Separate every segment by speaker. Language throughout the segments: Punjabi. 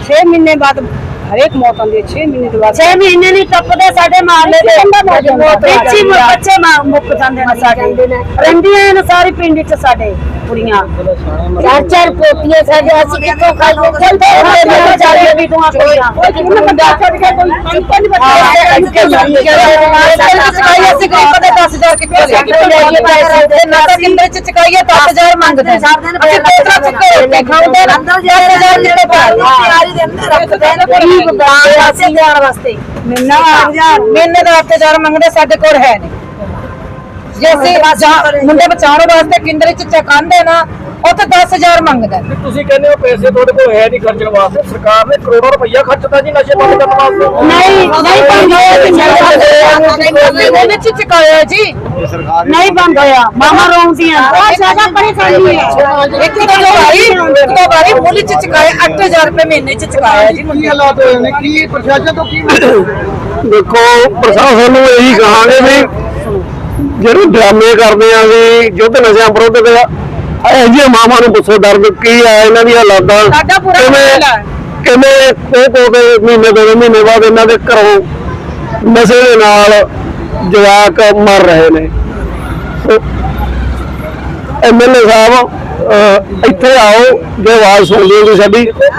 Speaker 1: 6 महीने बाद हरेक मौत आती है। 6 महीने के बाद
Speaker 2: 6 महीने नहीं टपदे साडे मारले दे बच्चे मुक जांदे ने साडे रंडियां ने सारी पिंड च साडे कुड़ियां 4-4 पोतियां साडे असि कितो खाइए चलते बेचारे भी दुआ कुड़ियां बंदा छोड़ के कोई नहीं बता असि कोई पता 10000 कितो ले पैसे ना तो किंदे च चकाइए 10000 मांगदे असि पैसा चुके खाउंदे 10000 कितो तैयारी दे अंदर रखदे ने महीने का 8000 मंगते साडे कोल है नहीं जैसे मुंडे बचाने वास्ते केंद्र च चकांदे ना उत्थे 10000 मंगदा
Speaker 3: ਤੁਸੀਂ ਕਹਿੰਦੇ ਹੋ ਪੈਸੇ ਤੁਹਾਡੇ ਕੋਲ ਹੈ ਨਹੀਂ ਖਰਚਣ ਵਾਸਤੇ ਸਰਕਾਰ ਨੇ ਕਰੋੜਾਂ ਰੁਪਈਆ ਖਰਚਤਾ ਜੀ ਨਸ਼ੇ ਬੰਦ ਕਰਨ ਵਾਸਤੇ
Speaker 2: नहीं नहीं च चकाया जी नहीं बंद होया मामा रोंदियां बहुत ज्यादा परेशानी है एक दो बारी मूली च चकाया 8000 रुपए महीने च चकाया जी
Speaker 3: ਕੀ ਹਾਲਾਤ ਹੋਏ ਨੇ ਕੀ ਪ੍ਰਸ਼ਾਸਨ ਤੋਂ ਕੀ
Speaker 4: देखो प्रशासन ਨੂੰ ਇਹੀ ਕਹਾਂਗੇ ਵੀ ਜਿਹੜੇ ਡਰਾਮੇ ਕਰਦੇ ਆ ਵੀ ਯੁੱਧ ਨਸ਼ਿਆਂ ਵਿਰੁੱਧ ਦੇ ਇਹ ਜੀ ਮਾਮਾ ਨੂੰ ਪੁੱਛੋ ਦਰਦ ਕੀ ਆ ਇਹਨਾਂ ਦੀਆਂ ਹਾਲਾਤਾਂ
Speaker 2: ਸਾਡਾ ਪੂਰਾ ਹਾਲ ਹੈ
Speaker 4: ਕਿਵੇਂ ਕੋ ਦੇ ਮਹੀਨੇ 2 ਮਹੀਨੇ ਬਾਅਦ ਇਹਨਾਂ ਦੇ ਘਰੋਂ ਨਸ਼ੇ ਦੇ ਨਾਲ ਜਵਾਕ ਮਰ ਰਹੇ ਨੇ ਐਮਐਲਏ ਸਾਹਿਬ ਇੱਥੇ ਆਓ ਜੇ ਆਵਾਜ਼ ਸੁਣ ਲਿਓ ਜੀ ਸਾਡੀ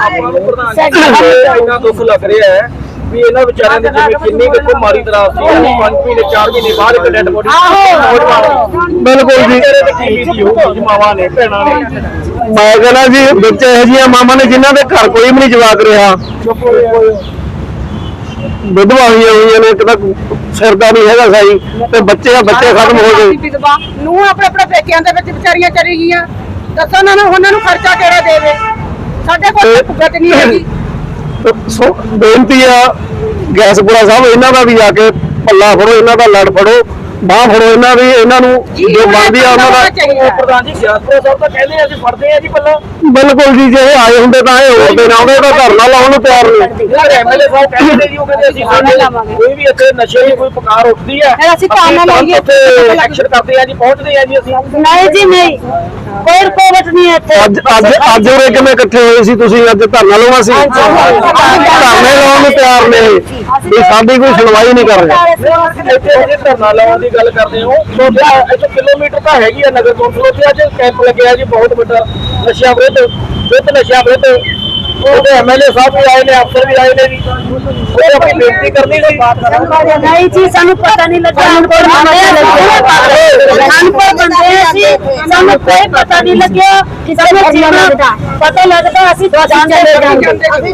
Speaker 3: ਇੰਨਾ ਦੁੱਖ ਲੱਗ ਰਿਹਾ ਹੈ ਵੀ ਇਹਨਾਂ ਵਿਚਾਰਿਆਂ ਦੇ ਜਿਵੇਂ ਕਿੰਨੀ ਕੁ ਮਾਰੀ ਤਰਾਸ ਸੀ 5 ਮਹੀਨੇ 4 ਮਹੀਨੇ ਬਾਅਦ ਇੱਕ ਡੈਡ ਬੋਡੀ
Speaker 4: ਬਿਲਕੁਲ ਜੀ
Speaker 3: ਮਾਵਾਂ ਨੇ ਭੈਣਾਂ ਨੇ
Speaker 4: ਮੈਂ ਕਹਿੰਦਾ ਜੀ ਵਿੱਚ ਇਹੋ ਜਿਹੀਆਂ ਮਾਵਾਂ ਨੇ ਜਿਨ੍ਹਾਂ ਦੇ ਘਰ ਕੋਈ ਵੀ ਨਹੀਂ ਜਵਾਕ ਰਿਹਾ ਵਿਧਵਾ ਹੋਈਆਂ ਨੇ ਇੱਕ ਤਾਂ ਸਿਰ ਦਾ ਨਹੀਂ ਹੈਗਾ ਸਹੀ ਤੇ ਬੱਚੇ ਖਤਮ ਹੋ ਗਏ
Speaker 1: ਨੂੰ ਆਪਣੇ ਆਪਣੇ ਪੇਕਿਆਂ ਦੇ ਵਿੱਚ ਵਿਚਾਰੀਆਂ ਚਲੀ ਗਈਆਂ ਦੱਸੋ ਉਹਨਾਂ ਨੂੰ ਖਰਚਾ ਕਿਹੜਾ ਦੇਵੇ ਸਾਡੇ ਕੋਲ ਭੁਗਤ ਨਹੀਂ ਹੈਗੀ
Speaker 4: ਸੋ ਬੇਨਤੀ ਆ ਗੈਸਪੁਰਾ ਸਾਹਿਬ ਇਹਨਾਂ ਦਾ ਵੀ ਆ ਕੇ ਪੱਲਾ ਫੜੋ ਇਹਨਾਂ ਦਾ ਲੜ ਫੜੋ ਬਾਹ ਫੜੋ ਇਹਨਾਂ ਨੂੰ ਜੋ ਬਣਦੀ ਆ ਉਹਨਾਂ ਦਾ
Speaker 3: ਪ੍ਰਧਾਨ ਜੀ ਗਿਆਸਪੁਰਾ ਸਾਹਿਬ ਤਾਂ ਕਹਿੰਦੇ ਅਸੀਂ ਫੜਦੇ ਆ ਜੀ ਪੱਲਾ
Speaker 4: ਬਿਲਕੁਲ ਜੀ ਜੇ ਇਹ ਆਏ ਹੁੰਦੇ ਤਾਂ ਇਹ ਹੋਰ ਦਿਨ ਆਉਂਦੇ ਤਾਂ ਧਰਨਾ ਲਾਉਣ ਨੂੰ ਤਿਆਰ ਨਹੀਂ
Speaker 3: ਐਮਐਲਏ ਸਾਹਿਬ ਕਹਿੰਦੇ ਜੀ ਉਹ ਕਹਿੰਦੇ ਅਸੀਂ ਕੋਈ ਵੀ ਇੱਥੇ ਨਸ਼ੇ ਦੀ ਕੋਈ ਪੁਕਾਰ ਉੱਠਦੀ ਹੈ
Speaker 2: ਅਸੀਂ ਧਰਨਾ ਲਾਈਏ
Speaker 3: ਐਕਸ਼ਨ ਕਰਦੇ ਆ ਜੀ ਪਹੁੰਚਦੇ ਆ ਜੀ ਅਸੀਂ
Speaker 2: नहीं जी नहीं कोई रुकावट नहीं है
Speaker 4: ਅੱਜ ਉਰੇ ਕਿਵੇਂ ਇਕੱਠੇ ਹੋਏ ਸੀ ਤੁਸੀਂ ਅੱਜ ਧਰਨਾ ਲਾਉਣਾ ਸੀ ਧਰਨੇ ਲਾਉਣ ਨੂੰ ਤਿਆਰ ਨੇ ਵੀ ਸਾਡੀ ਕੋਈ ਸੁਣਵਾਈ ਨਹੀਂ ਕਰ ਰਿਹਾ
Speaker 3: ਇੱਥੇ ਜੇ ਧਰਨਾ ਲਾਉਣ ਦੀ ਗੱਲ ਕਰਦੇ ਹੋ ਇੱਥੇ ਕਿਲੋਮੀਟਰ ਤਾਂ ਹੈਗੀ ਆ ਨਗਰ ਕੌਂਸਲ ਉੱਥੇ ਅੱਜ ਕੈਂਪ ਲੱਗਿਆ ਜੀ ਬਹੁਤ ਵੱਡਾ ਨਸ਼ਿਆਂ ਵਿਰੁੱਧ ਨਸ਼ਿਆਂ ਵਿਰੁੱਧ ਉਹਦੇ ਐਮਐਲਏ ਸਾਹਿਬ ਵੀ ਆਏ ਨੇ ਅਫਸਰ ਵੀ ਆਏ ਨੇ ਜੀ ਉਹ ਆਪਣੀ ਬੇਨਤੀ ਕਰਨੀ ਸੀ
Speaker 2: नहीं जी सानू पता नहीं लगा कोई पता नहीं लगे पता लगता